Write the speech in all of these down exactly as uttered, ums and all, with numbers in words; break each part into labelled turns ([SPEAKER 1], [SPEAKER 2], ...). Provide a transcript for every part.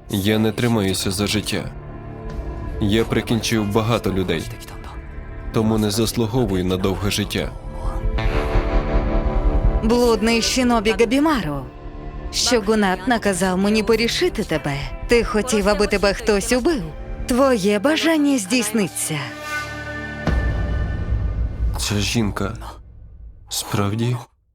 [SPEAKER 1] Я не тримаюся за життя. Я прикінчив багато людей, тому не заслуговую на довге життя.
[SPEAKER 2] Блудний шинобі Габімару. Щогунат наказав мені порішити тебе. Ти хотів, аби тебе хтось убив. Твоє бажання здійсниться.
[SPEAKER 1] Ця жінка справді?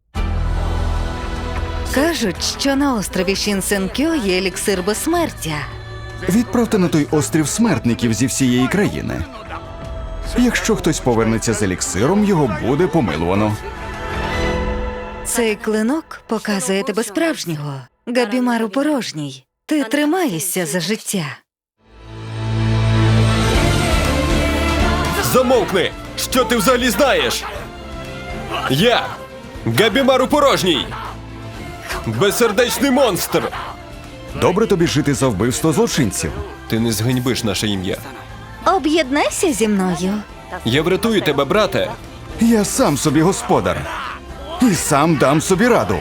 [SPEAKER 2] Кажуть, що на острові Шінсенкьо є еліксир безсмертя.
[SPEAKER 3] Відправте на той острів смертників зі всієї країни. Якщо хтось повернеться з еліксиром, його буде помилувано.
[SPEAKER 2] Цей клинок показує тебе справжнього. Габімару порожній. Ти тримаєшся за життя.
[SPEAKER 1] Замовкни! Що ти взагалі знаєш? Я Габімару порожній! Безсердечний монстр!
[SPEAKER 3] Добре тобі жити за вбивство злочинців.
[SPEAKER 1] Ти не зганьбиш наше ім'я.
[SPEAKER 2] Об'єднайся зі мною.
[SPEAKER 1] Я врятую тебе, брате!
[SPEAKER 3] Я сам собі господар. І сам дам собі раду.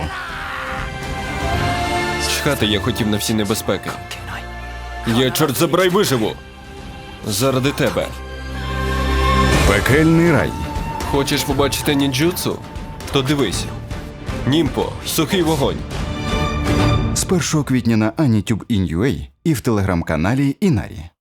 [SPEAKER 1] Чхати я хотів на всі небезпеки. Я, чорт забирай, виживу! Заради тебе.
[SPEAKER 3] Пекельний рай.
[SPEAKER 1] Хочеш побачити нінджутсу? То дивись. Німпо, сухий вогонь.
[SPEAKER 3] З першого квітня на Анітюб ін ю ей і в телеграм-каналі Інарі.